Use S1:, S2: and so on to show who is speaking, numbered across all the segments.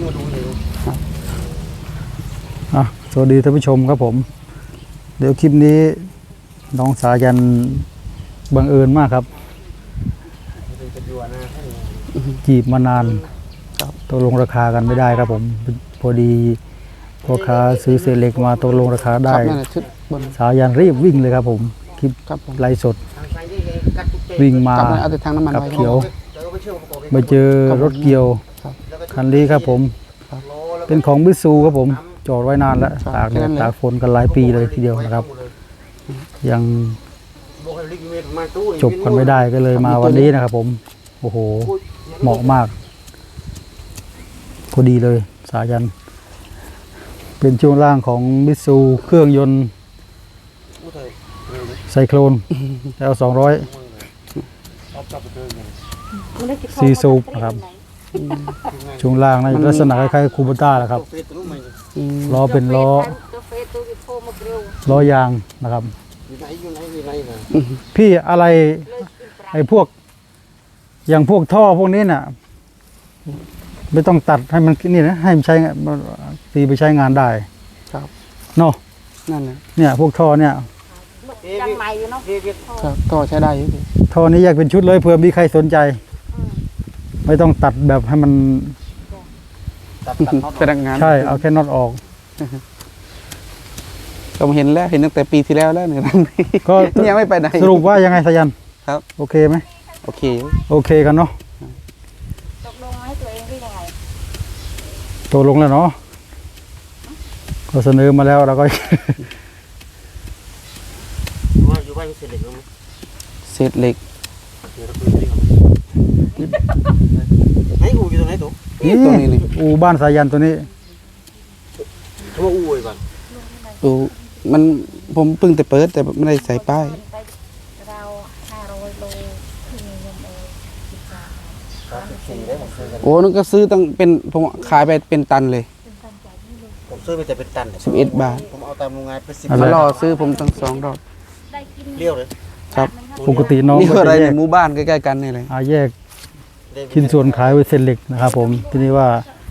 S1: มาดูเลย
S2: สวัสดีท่านผู้ชมครับผมเดี๋ยวคลิปนี้น้องสายันบังเอิญมากครับจีบมานานตกลงราคากันไม่ได้ครับผมพอดีพ่อค้าซื้อเศษเหล็กมาตกลงราคาได้สายันรีบวิ่งเลยครับผมคลิปไลฟ์สดวิ่งมากับเขียวมาเจอรถเกี่ยวคันนี้ครับผมเป็นของมิตซูครับผมจอดไว้นานแล้วตากแดดตากฝนกันหลายปีเลยทีเดียวนะครับยังจบกันไม่ได้ก็เลยมาวันนี้นะครับผมโอ้โหเหมาะมากพอดีเลยสายันเป็นช่วงล่างของมิตซูเครื่องยนต์ไซโคลนแล้ว200ซีซูปนะครับช่วงล่างในลักษณะคล้ายๆคูโบต้าแหละครับล้อเป็นล้อยางนะครับพี่อะไรไอ้พวกอย่างพวกท่อพวกนี้น่ะไม่ต้องตัดให้มันนี่นะให้มันใช้ตีไปใช้งานได้ครับเนาะนั่นแหละเนี่ยพวกท่อเนี่ยยังใหม่อยู่เนาะท่อใช้ได้อยู่ท่อนี้แยกเป็นชุดเลยเผื่อมีใครสนใจไม่ต้องตัดแบบให้มันเป็นงานใช่เอาแค่น็อตออก
S3: ผมเห็นแล้วเห็นตั้งแต่ปีที่แล้วแล้วเนี่ยก็ยังไม่ไปไหน
S2: สรุปว่ายังไงสายัน
S3: ครับ
S2: โอเคไหม
S3: โอเค
S2: กันเนาะ
S4: ตกลงให้ตัวเองได้ยังไง
S2: ตกลงแล้วเนาะก็เสนอมาแล้วเราก็
S1: อยู่บ้านเศษเหล็กไหม
S3: เศษเหล็ก
S1: ไหนอูอยู่ตรงไหนตัว
S2: นี่ตรงนี้นี่อูบ้านสายันตัวนี้
S1: เขาว่าอูไว้ก่อน
S3: มันผมเพิ่งแต่เปิดแต่ไม่ได้ใส่ป้าย
S4: เรา500 โลที่มีเงิน
S3: โอ้นั่นก็ซื้อตั้งเป็นผมขายไปเป็นตันเลย
S1: ผมซื้อไปแต่เป็นตัน
S3: 11 บาท
S1: ผมเอาตามโรงงานไป
S3: 10 บาทรอซื้อผมตั้ง2 รอบ
S1: เลี้ยวเลย
S3: ครับ
S2: ปกติน้อง
S3: นี่อะไรในหมู่บ้านใกล้ๆกันนี่เลย
S2: แยกชิ้นส่วนขายไว้เศษเหล็กนะครับผมทีนี้ว่า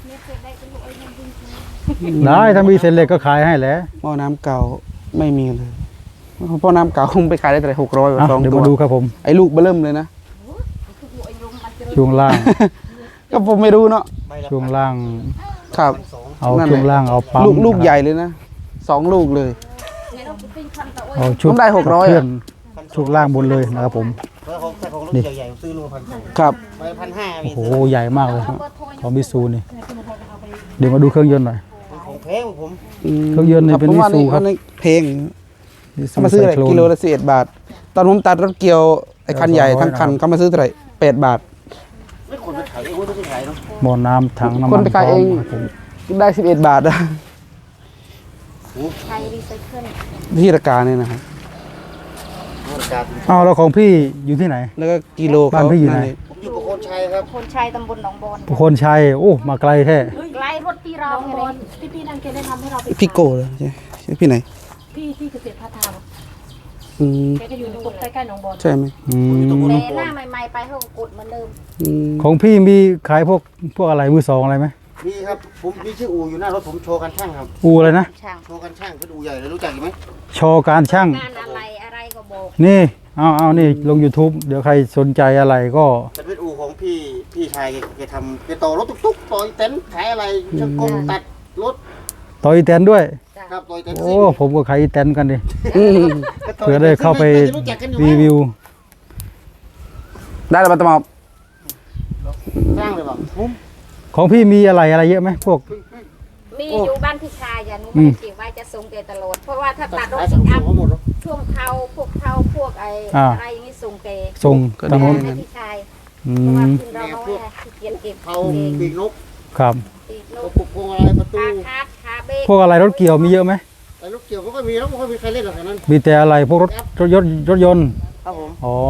S2: ได้ถ้ามีเศษเหล็กก็ขายให้แหละ
S3: หม้อน้ำเก่าไม่มีเลยเพราะน้ำเก่าคงไปขายได้แต่600
S2: เดี๋ยวมาดูครับผม
S3: ไอ้ลูกเบิ่มเลยนะ
S2: ช่วงล่าง
S3: ก็ผมไม่รู้เนาะ
S2: ช่วงล่าง
S3: ครับ
S2: เอาช่วงล่างเอาปั๊ม
S3: ลูกใหญ่เลยนะ2 ลูกเลย
S2: เอาชุด
S3: ได้600
S2: ช่วงล่างบนเลยนะครับผม
S1: นี่ใหญ่ๆซื้อโล1,200
S3: ครับ
S1: 1,500
S2: โอ้โหใหญ่มากเลยของมิตซูนี่เดี๋ยวมาดูเครื่องยนต์หน่อย
S1: ของแพงผม
S2: เครื่องยนต์นี่เป็นมิตซูครับ
S3: เพลงมาซื้ออะไรกิโลละ11 บาทตอนผมตัดรถเกี่ยวไอ้คันใหญ่ทั้งคันเขามาซื้อเท่าไหร่8 บาท
S1: ไม่คนไปขายเองไม่ขายเนาะ
S2: หม้อน้ำถังน้ำมัน
S3: คนไปขายเองได้11 บาทนะ
S4: ใครรีไซเคิล
S3: ที่ราคาเนี่ยนะครับ
S2: แล้วของพี่อยู่ที่ไหน
S3: แล้วก็กิโล
S2: บ้านพี่อยู่ไหน
S1: ผมอยู่ประโคนชัยครับ
S4: ประโคนชัยตำบลหนองบอน
S2: ประโคนชัยโอ้มาไกลแท้
S4: ไกลรถพี่เราไงพี่นั่นแกได้ทำให้เรา
S3: พี่โก้เลยใช่พี่ไหน
S4: พี่เกษตรพัฒนาแกก็อยู่ตรงใกล้ๆหนองบอน
S3: ใช่ไหม
S4: แต่หน้าใหม่ๆไปเขากดเหมือนเดิม
S2: ของพี่มีขายพวกอะไรมือสองอะไรไหม
S1: มีครับผมมีชื่ออูอยู่หน้ารถผมโชว์การช่างครับ
S2: อูอะไรนะ
S1: โชว์การช่างเป็นอูใหญ่เลยรู้จักไหม
S2: โชว์การช่าง
S4: งานอะไรก็บอก
S2: นี่เอานี่ลง YouTube เดี๋ยวใครสนใจอะไรก็
S1: เป็นอูของพี่ชายแกทำแกต่อรถตุ๊กต่อยเต็นท์ขายอะไรช่างกงตัดรถ
S2: ต่อยเต็นท์ด้วย
S1: ครับต่อยเต็นท์
S2: โอ้ผมก็ขายเต็นท์กันดิเพื่อได้เข้าไปรีวิว
S3: ได้แล้วมาตมอบ
S1: สร้างเลยป่ะ
S2: ของพี่มีอะไรเยอะไหมพวก
S4: มีอยู่บ้านพี่ชายอย่างนู้นไม่เกี่ยวว่าจะส่งแกตลอดเพราะว่าถ้าตัดรถสิงอัพช่วงเทาพวกอะไรอย่างนี้ส่งแก
S2: ส่ง
S4: ตลอดให้พี่ชายเพราะว่าคุณเราน้อยเกียนเก็บ
S1: เทาปีกนก
S2: ครับ
S4: ปีกนก
S1: พวงอะไรประตู
S2: พวกอะไรรถเกี่ยวมีเยอะไหม
S1: รถเกี่ยวก็มีแล้วไม่ค่อยมีใครเล่นหรอกนั้น
S2: มีแต่อะไรพวกรถยนต์
S1: ครับผม
S2: อ๋อ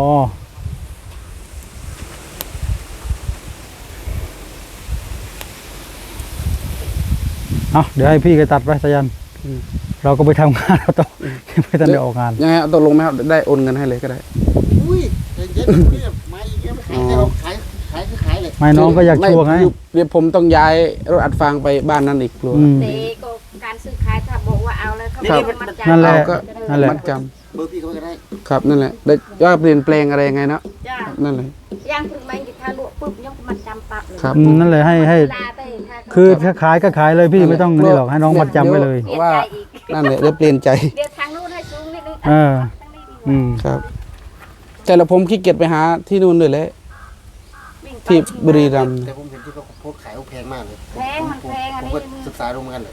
S2: เดี๋ยวให้พี่ไปตัดไปสายันเราก็ไปทำงานเราต้องไม่ทันได้ออกงาน
S3: ยังไงตกลงไหมครับได้โอนเงินให้เลยก็ได้
S1: อุ้ยเย็นๆนี่มาอีกแล้วขายเลย
S2: ไม่น้องก็อยากชัวร์ไง
S3: เดี๋ยวผมต้องย้ายรถอัดฟางไปบ้านนั้นอีกกลัว
S4: เด็กก็การซื้อขายถ้าบอกว่าเอาแล้วเขา
S1: ครับ
S4: มัดจำ
S2: นั่นแหละ
S3: ก็
S2: นั่นแหละ
S3: มัดจ
S1: เบอร์พี่เขาก็ได้
S3: ำครับนั่นแหละได้ว่าเปลี่ยนแปลงอะไรยังไงเนาะ
S4: จ้า
S3: นั่นเลย
S4: ย่างถึงแมงกิถ้าลวกปุ๊บยังมัดจำปั๊บเลย
S3: ครับ
S2: นั่นเลยให้
S4: ลาไปถ้า
S2: คือถ้าขายก็ขายเลยพี่ไม่ต้องนี่หรอกให้น้องมัดจำไว้เลย
S4: เปลี่ยน
S3: ว่า
S4: ใจอีก
S3: นั่นแหละได้เปลี่ยนใจ
S4: เดี๋ยวทางนู้นให้สูงนิดนึง
S2: เออ
S4: ทางนี้ดีกว่า
S2: อืม
S3: ครับ แต่ละผมขี้เกียจไปหาที่นู่นเลยแหละ
S4: วิ่งไป
S3: ที่บุรีรัมย์
S1: แต่ผมเห็นที่เขาโพสต์ขายแพงมากเลย
S4: แพงมันแพงอัน
S1: ผม
S4: นี้
S1: ก็ศึกษาดูเหมือนกันเลย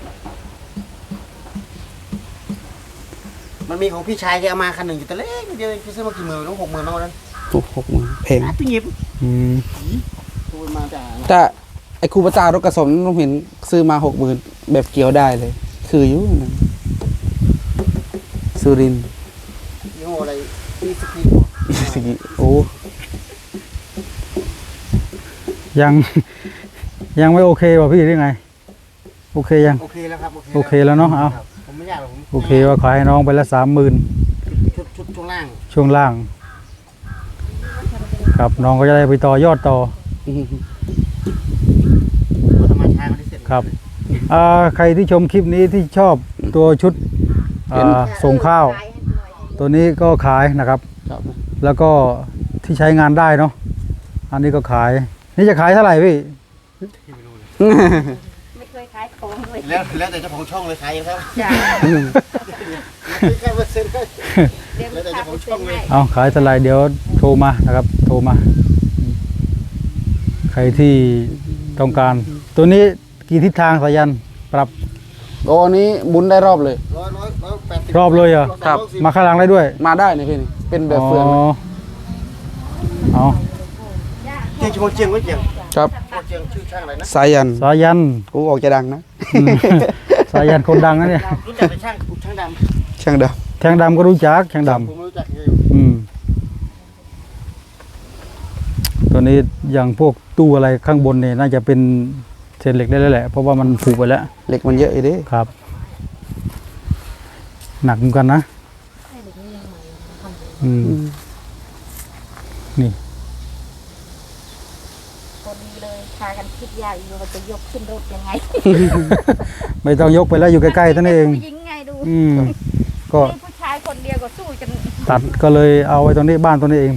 S1: มันมีของพี่ชายแกเอามาคันหนึ่งอยู่แต่เล็กเดียวพี่ซื้อมากี่หมื่นน้อง60,000น้องนั้น
S3: ถูก60,000แพง
S1: พี่หยิบ
S2: อืม
S1: ตัวมาจาก
S3: แต่ไอ้คูปตารถกระสมผมเห็นซื้อมา60,000แบบเกี่ยวได้เลย คืออยู่นั่นสุรินทร์
S1: ยี่ห้ออะไรพี่สกี
S3: สิกิโอ้
S2: ยัง ยังไม่โอเคว่ะพี่หรือไง โอเคยัง
S1: โอเคแล้วครับ
S2: โอเคแล้วเนาะเอา
S1: ครับผมไม่ยากหรอกผม
S2: โอเคว่าขายให้น้องไปละ30,000
S1: ชุดช่วงล่าง
S2: ช่วงล่าง ครับน้องก็จะได้ไปต่อยอดต่อ
S1: ตัวธรรมชาติเขาที่เสร็จ
S2: ครับใครที่ชมคลิปนี้ที่ชอบตัวชุดส่งข้าว
S4: ขายให้หน่อย
S2: ตัวนี้ก็ขายนะครับ
S3: ครับ
S2: แล้วก็ที่ใช้งานได้เนาะอันนี้ก็ขาย นี่จะขายเท่าไหร่พี่
S4: ไม่เคยขายของเลย
S1: แล้วแต่เจ้าของช่องเลยขายเองครับ
S4: จ้า
S1: แค่เปอร์เซ็นต์ก็
S4: เดี๋ยว
S1: แล้วแต่
S4: ขา
S1: เจ้าของช่องเลย
S2: เอาขายเท่าไหร่เดี๋ยวโทรมานะครับ โทรมา ใครที่ต้องการ ตัวนี้กี่ทิศทางสายันปรับ
S3: โอ้อันนี้บุญได้รอบเลย
S2: รอบเลยเหรอ
S3: ครับ
S2: มาข้างหลังได้ด้วย
S3: มาได้นี่พี่นี่เป็นแบบเฟือง
S2: เอา
S1: เจียงชงเจียงไว้เจียง
S3: ครับ
S1: เจียงชื่อช่างอะไรนะ
S3: สายัน
S2: สายัน
S3: กูออกจะดังนะ
S2: สายันคนดังนะเนี่ย
S1: รู้จักเป็นช่างด
S3: ช่างด
S2: แทงดำก็รู้จักแทงด
S1: ำผมรู้จักอยู่
S2: ำตัวนี้อย่างพวกตู้อะไรข้างบนเนี่ยน่าจะเป็นเศษเหล็กได้แล้วแหละเพราะว่ามันผุไปแล้ว
S3: ำเหล็กมันเยอะอีเด้
S2: ครับ หนักเหมือนกันนะนี่
S4: พอดีเลยพากันคิดยากอยู่ว่าจะยกขึ้นรถยังไง
S2: ไม่ต้องยกไปแล้วอยู่ใกล้ๆตัวนี้เอง
S4: ผู้หญิงไงดู
S2: ก็
S4: นี่ผู้ชายคนเดียวก็สู้จน
S2: ตัดก็เลยเอาไว้ตรงนี้บ้านตรงนี้เอง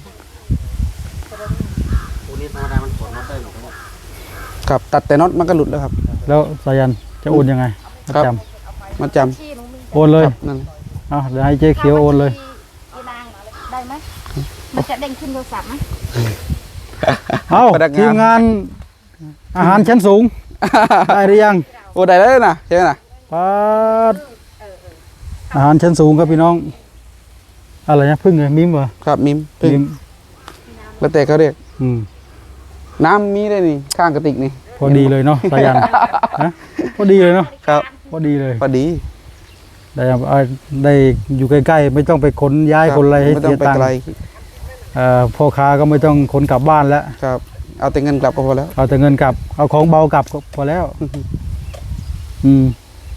S1: ตัวนี้ธรรมดามันถอดน็อตได้หรอกครับ
S3: ครับตัดแต่น็อตมันก็หลุดแล้วครับ
S2: แล้วสายันจะโอนยังไง
S3: ครับ
S2: จ
S3: มาจ
S4: ที่หนูมี
S2: ำโอนเลย
S3: ำนั่น
S2: เอาเดี๋ยวให้เจ๊เขียวโอนเลย
S4: อีนางได้ไหมมันจะเด้งขึ้นโทรศัพท์ไหม
S2: เอา
S3: พนัก
S2: ทีมงานอาหารชั้นสูง ได้หรือยัง
S3: โอ้ได้แล้วนะใช่ไหมนะ
S2: ปัดอาหารชั้นสูงครับพี่น้อง อะไรนะพึ่งเลยมิมเหรอ
S3: ครับมิมพึ่ง
S2: มิม
S3: แล้วแต่เขาเรียก
S2: อืม
S3: น้ำมีได้นี่ข้างกระติกนี่
S2: พอดีเลยเนาะสายันฮะพอดีเลยเนาะ
S3: ครับ
S2: พอดีเลย
S3: พอดี
S2: ได้อยู่ใกล้ๆไม่ต้องไปขนย้ายคนอะไรให้
S3: ไม่ต้อ
S2: เสี
S3: ง
S2: ย
S3: ไป
S2: ตังค์
S3: ไกล
S2: พ่อค้าก็ไม่ต้องขนกลับบ้านแล้ว
S3: ครับ เอาแต่เงินกลับก็พอแล้ว
S2: เอาแต่เงินกลับ เอาของเบากลับก็พอแล้ว อืม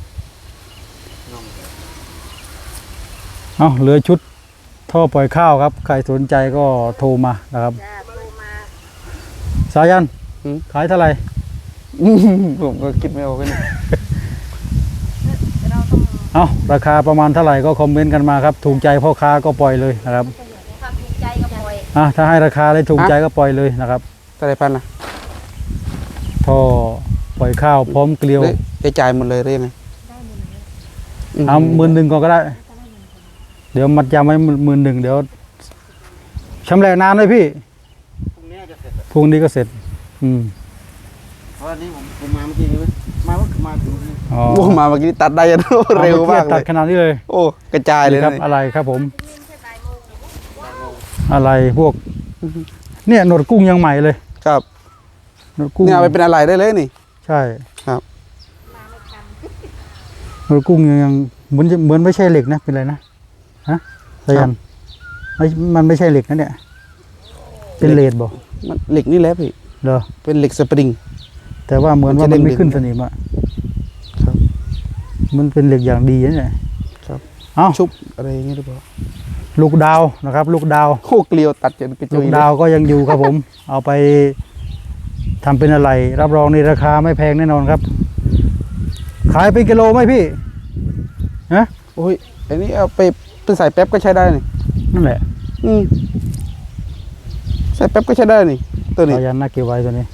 S2: เอาเหลือชุดท่อปล่อยข้าวครับ ใครสนใจก็โทรมานะครับ
S4: จ้าโทรมา
S2: สายันขายเท่าไหร่
S3: ผมก็คิดไม่ออกเลย
S4: เราต้อง
S2: เอาราคาประมาณเท่าไหร่ก็คอมเมนต์กันมาครับ ถูกใจพ่อค้าก็ปล่อยเลยนะครับ
S4: ความถูกใจก็ปล่อย
S2: ถ้าให้ราคาเลยถูกใจก็ปล่อยเลยนะครับ
S3: เท่าไหรพันนะ
S2: ท่อปล่อยข้าวพร้อมเกลียว
S3: หรือจะจ่ายหมดเลยหรือยังไง
S2: เอา11,000ก่อนก็ได้ เดี๋ยวมัดจำไว้11,000เดี๋ยวชำแหละนานเลยพี่
S1: พรุ่งนี้จะเสร็จ
S2: พรุ่งนี้ก็เสร็จ
S1: เพราะอันนี้ผมมาเมื่อกี้นี้มาถึงนี่
S2: อ๋อ
S3: โอ้มาเมื่อกี้ตัดได้ยันเร็วมากเล
S2: ตัด
S3: ย
S2: ขนาดนี้เลย
S3: โอ้กระจายเลย
S2: ครับ
S3: นะ
S2: อะไรครับผม อะไรพวก เนี่ยหนวดกุ้งยังใหม่เลย
S3: ครับ
S2: หนวดกุ้ง
S3: เนี่ยเอาไปเป็นอะไรได้เลยนี่
S2: ใช่
S3: ครับ
S2: หนวดกุ้งยังเหมือนไม่ใช่เหล็กนะเป็นอะไรนะฮะสายันมันไม่ใช่เหล็กนะเนี่ยเป็นเลดบอก
S3: มันเหล็กนี่แหละพี่
S2: เหรอ
S3: เป็นเหล็กสปริง
S2: แต่ว่าเหมือนว่า
S3: มันจะ
S2: มันไม่
S3: เด้งๆ
S2: ขึ้นสนิมอ่ะ
S3: ครับ
S2: มันเป็นเหล็กอย่างดีนะเนี่ย
S3: ครับ
S2: เอ้า
S3: ชุบอะไรอย่างเงี้ยหรือเปล่า
S2: ลูกดาวนะครับ ลูกดาว
S3: โอ้เกลียวตัดจนกระจุ
S2: ลู
S3: ย
S2: ก
S3: เลย
S2: ดาวก็ยังอยู่ครับผม เอาไปทำเป็นอะไรรับรองในราคาไม่แพงแน่นอนครับ ขายเป็นกิโลไหมพี่ฮะ
S3: โอ้ยอันนี้เอาไปใส่แป๊บก็ใช้ได้นี่
S2: นั่นแหละ
S3: ใส่แป๊บก็ใช้ได้นี่ตัวนี้
S2: สายันน่าเก็บไว้ตัวนี้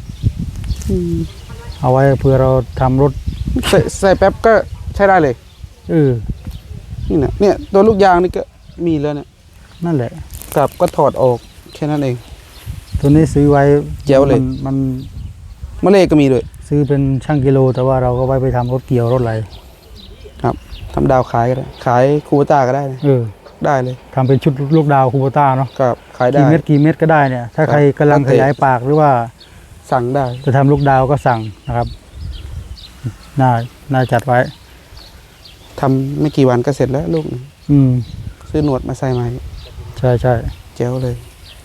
S2: เอาไว้เพื่อเราทำรถ
S3: ใส่แป๊บก็ใช้ได้เลย นี่นะเนี่ยตัวลูกยางนี่ก็มีแล้วเนี่ย
S2: นั่นแหละ
S3: กับก็ถอดออกแค่นั้นเอง
S2: ตัวนี้ซื้อไว้
S3: เจ๋วเลย
S2: มัน
S3: มะเลก็มีด้วย
S2: ซื้อเป็นช่างกิโล แต่ว่าเราก็ไว้ไปทำรถเกี่ยวรถอะไร
S3: ครับทำดาวขายก็ได้ขายคูโบต้าก็ได้นะ ได้เลย
S2: ทำเป็นชุดลูกดาวคูโบต้าเนาะ
S3: กับขายได้
S2: กี่เม็ดก็ได้เนี่ย ถ้าใครกำลังขยายปากหรือว่า
S3: สั่งได้
S2: จะทำลูกดาวก็สั่งนะครับน่าจัดไว้
S3: ทำไม่กี่วันก็เสร็จแล้วลูกหนึ่ง ซื้อหนวดมาใส่ใหม่
S2: ใช่
S3: เจ๋วเลย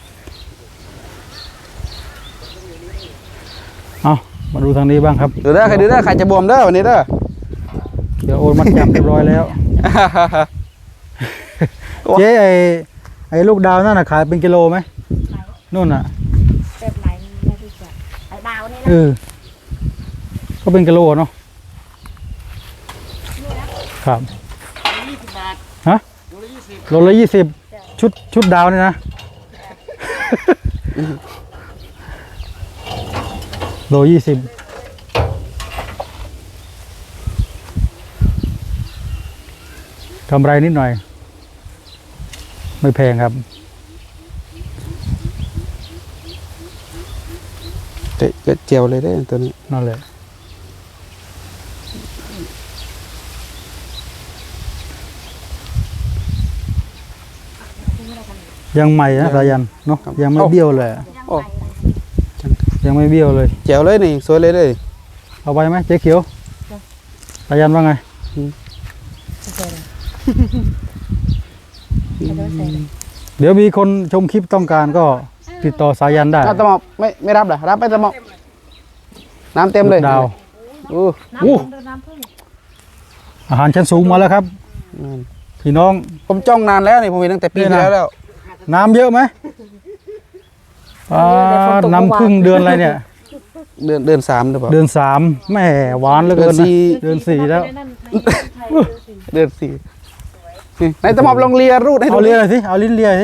S2: เอามาดูทางนี้บ้างครับ
S3: ดูได้ใครดูได้ใครจะบวมเด้อวันนี้เด้อ
S2: เดี๋ยวโอนมัดจำเรียบร้อยแล้ว เจ๊ไอ้ลูกดาวนั่นน่ะขายเป็นกิโลไหมนู่นน่ะ
S4: แบบไหนไม่รู้จักไอ้ดาวนี่นะ
S2: ก็เป็นกิโลเนาะครับ
S1: 20 บาท
S2: ฮะ
S1: โลละ20
S2: โลละ20ชุดดาวนี่นะ โล20กำไรนิดหน่อย ไม่แพงครับ
S3: แต่ก็เจียวเลยได้ตัวนี้
S2: นั่นแหละยังใหม่นะสายันเนาะยังไม่เบี้ยวเลย
S4: ยังไง
S2: ยังไม่เบี้ยวเลย
S3: เจียวเลยนี่สวยเลยเลย
S2: เอาไปไหมเจ๊เขียวสายันว่าไง เดี๋ยวมีคนชมคลิปต้องการก็ติดต่อสายันได้
S3: ตะหมอบไม่รับเหรอรับไปตะหมอบน้ำเต็มเลย
S2: ลูกดาว
S3: โอ้
S4: น้ำพึ่ง
S2: อาหารชั้นสูงมาแล้วครับ พี่น้อง
S3: ผมจ้องนานแล้วนี่ผมเห็นตั้งแต่ปีที่แล้ว
S2: น้ำเยอะไหมน้ำพึ่งเดือนอะไรเนี่ย
S3: เดือน3หรือเปล่า
S2: เดือน3แม่หวานเหลือเกินนะเดือน4แล้ว
S3: เดือน4นี่ไหนตะหมอบลองเลียรูดให้ดู
S2: เอาเลียหน่อยสิเอาลิ้นเลียสิ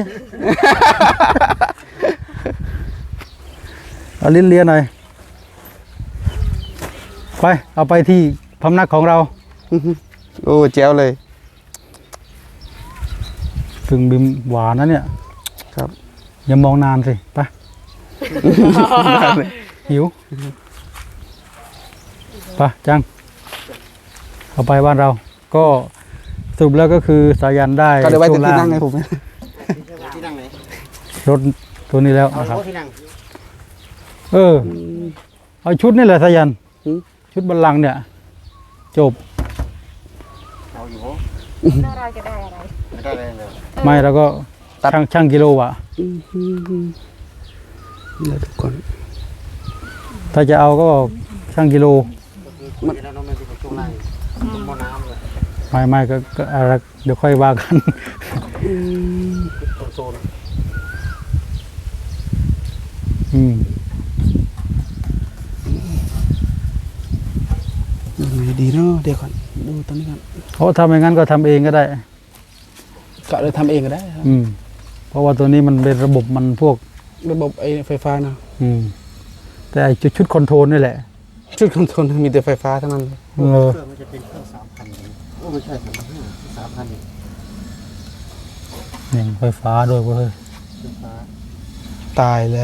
S2: เอาลิ้นเลียหน่อยไปเอาไปที่พำนักของเรา
S3: โอ้เจ๋วเลย
S2: พึ่งบิมหวานนะเนี่ย
S3: ครับ
S2: อย่ามองนานสิไปหิวไปจังเอาไปบ้านเรา ก็สรุปแล้วก็คือสายันได้
S3: ก็เดี๋ยวไว้จะ
S2: ช่วง
S3: ที่
S2: ล่าง
S3: นั่งให้ผม
S1: ที่นั่งไหน
S2: รถตัวนี้แล้ว
S1: เอา
S2: นะครับ
S1: โต๊ะที่นั่ง
S2: เอาชุดนี่แหละสายันชุดบัลลังก์เนี่ย จบ
S1: เอาอยู่
S4: แล้วเราจะได้อะไร
S1: ไม่ได้เลยเลย
S2: ไม่แล้วก็ช่างกิโลอ่ะ
S3: แล้วทุกคน
S2: ถ้าจะเอาก็ช่างกิโล
S1: มันแล้วน้องไม่เป็นช่วงล่างหม้อน้ำเลย
S2: ไม่ก็อะไรเดี๋ยวค่อยว่ากัน
S1: โซน
S3: ดีเนาะเดี๋ยวก่อนดูตอนนี้ก่อน
S2: เพราะทำอย่างนั้นก็ทำเองก็ได้
S3: ก็เลยทำเองก็ได้ครับ
S2: เพราะว่าตัวนี้มันเป็นระบบมันพวก
S3: ระบบไอ้ไฟฟ้านะ
S2: แต่ไอ้ชุดคอนโทรลนี่แหละ
S3: ชุดคอนโทรลมีแต่ไฟฟ้าทั้งนั้น
S1: เครื่องมันจะเป็นเครื่อง3,000โอ้ไม่ใช่3,500 3,000
S2: นี่ไฟฟ้าด้วยเว้ย
S3: 3,000ตายเลย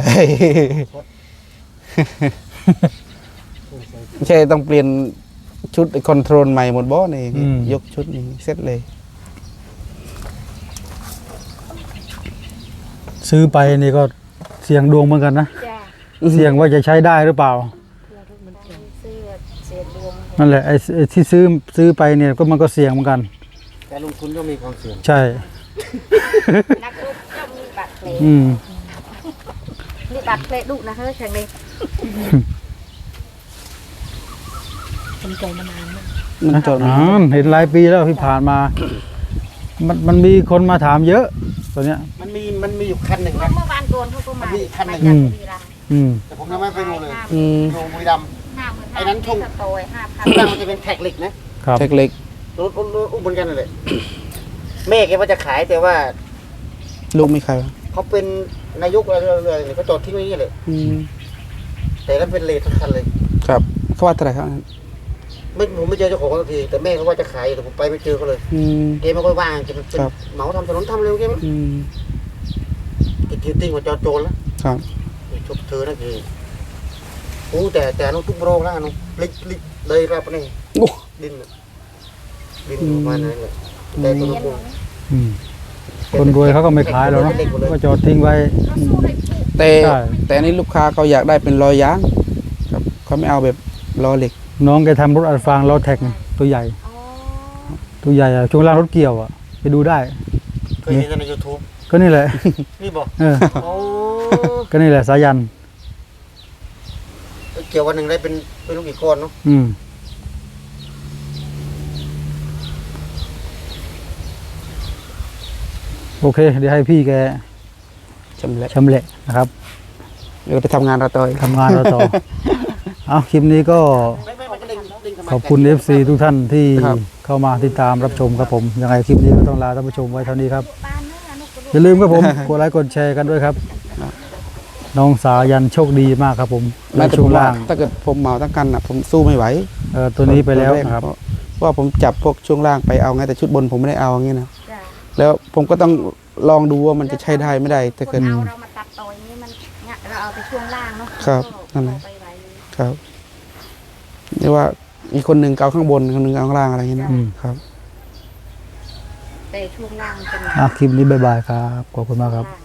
S3: ไม่ใช่ต้องเปลี่ยนชุดคอนโทรลใหม่หมดบ่นี่ยกชุดนี้เสร็จเลย
S2: ซื้อไปนี่ก็เสี่ยงดวงเหมือนกันนะ
S4: จ้า
S2: เสี่ยงว่าจะใช้ได้หรือเปล่า
S4: ซื้อเสียดวง
S2: นั่นแหละไอ้ที่ซื้อไปเนี่ยก็มันก็เสี่ยงเหมือนกัน
S1: แต่ลงทุนก็มีความเสี่ยง
S2: ใช่
S4: นักรบต้องมีบัตรเพลง
S2: อืม
S4: มีบัตรเพลงดุนะเฮ้ยแข่งเลยเป็นใจมานานมาก
S3: มันจอด
S2: เห็นหลายปีแล้วที่ผ่านมา มันมีคนมาถามเยอะตัวเนี้ย
S1: มันมีอยู่คันหนึ่งนะ
S4: เมื่อวานโดนเขาก็มา
S1: มีอีกคันหนึ่ง
S4: มาจากบุรีรัมย์
S1: แต่ผมยังไม่ไปดูเลย
S3: อืม
S1: ดูบุรีรัมย์ ไอ้นั้นช่วง
S4: สโตย5,000
S1: ข้างล่างมันจะเป็นแท็กเหล็กนะครับ
S3: แท็กเล็ก
S1: รถอุ้มเหมือนกันเลยแม่แกว่าจะขายแต่ว่า
S3: ลูกไม่ใครวะ
S1: เขาเป็นนายกอะไรเลยเขาจอดทิ้งไว้อย่างนี้เลย
S3: อืม
S1: แต่นั้นเป็นเลททั้งคันเลย
S3: ครับเขาว่าเท่าไหร่ครับ
S1: ผมไม่เจอเจ้าของสักทีแต่แม่เขาว่าจะขายแต่ผมไปไม่เจอเขาเลย
S3: อืม
S1: แกไม่ค่อยว่างแกเป็น
S3: ครับ
S1: เหมาทำถนนทำเร็วแกมั้ง
S3: อืม
S1: แกกินติ้งกว่าจอโจรแล้ว
S3: ครับ
S1: ชบเธอนะคือโอ้แต่น้องทุกโรงแล้วน้องลิกเลยรับนี่
S3: โอ้
S1: ดินประมาณนั้นเลยแต่ตัวลูก
S2: คนรวยเขาก็ไม่ขายแล้วเนาะก็จอดทิ้งไว้
S3: แต่
S2: ใช่
S3: แต่อันนี้ลูกค้าเขาอยากได้เป็นล้อยางครับเขาไม่เอาแบบล้อเหล็ก
S2: น้องแกทำรถอัดฟางล้อแท็กไงตัวใหญ่ ตัวใหญ่อะช่วงล่างรถเกี่ยวอะไปดูได้
S1: เคยเห็นใน YouTube
S2: ก็นี่แหละ
S1: นี่บอก
S2: เออ
S1: โอ้
S2: ก็นี่แหละสายัน
S1: เกี่ยววันหนึ่งได้เป็นลูกกี่ก้อนเนาะ
S2: โอเค เดี๋ยวให้พี่แก
S3: ชำแหละ
S2: ชำแหละนะครับ
S3: เดี๋ยวไปทำงานเราต่ออีก
S2: ทำงานเราต่อ เอาคลิปนี้ก็
S1: ไม่ผมก็เด้ง
S2: ขอบคุณ FC ทุกท่านที่เข้ามาติดตามรับชมครับผม ยังไงคลิปนี้ก็ต้องลาท่านผู้ชมไว้เท่านี้ครับ อย่าลืมครับผม กดไลค์กดแชร์กันด้วยครับ น้องสายันโชคดีมากครับผม
S3: แม้
S2: ใน
S3: แต่
S2: ช่
S3: ผ
S2: วง
S3: มว่า
S2: ล่าง
S3: ถ้าเกิดผมเหมาทั้งกันผมสู้ไม่ไหว
S2: ตัวนี้ไปแล้วนะครับ
S3: เพราะว่าผมจับพวกช่วงล่างไปเอาไงแต่ชุดบนผมไม่ได้เอาอย่างนี้นะ
S4: จ้ะ
S3: แล้วผมก็ต้องลองดูว่ามันจะใช้ได้ไม่ได้ถ้า
S4: ค
S3: เกิด
S4: นเอาเรามาตัดต่ออย่างนี้มันเนี่ยเราเอาไปช่วงล่างเนาะ
S3: ครับนั่นแหละ
S4: เอาไปไว้เลย
S3: ครับเรียกว่าอีกคนหนึ่งเอาข้างบนคนหนึ่งเอาข้างล่างอะไรอย่างนี้นะครับ
S4: แต่ช่วงล่างมันเป็น
S2: คลิปนี้บ๊ายบายครับ ขอบคุณมากครับ
S4: ล่าง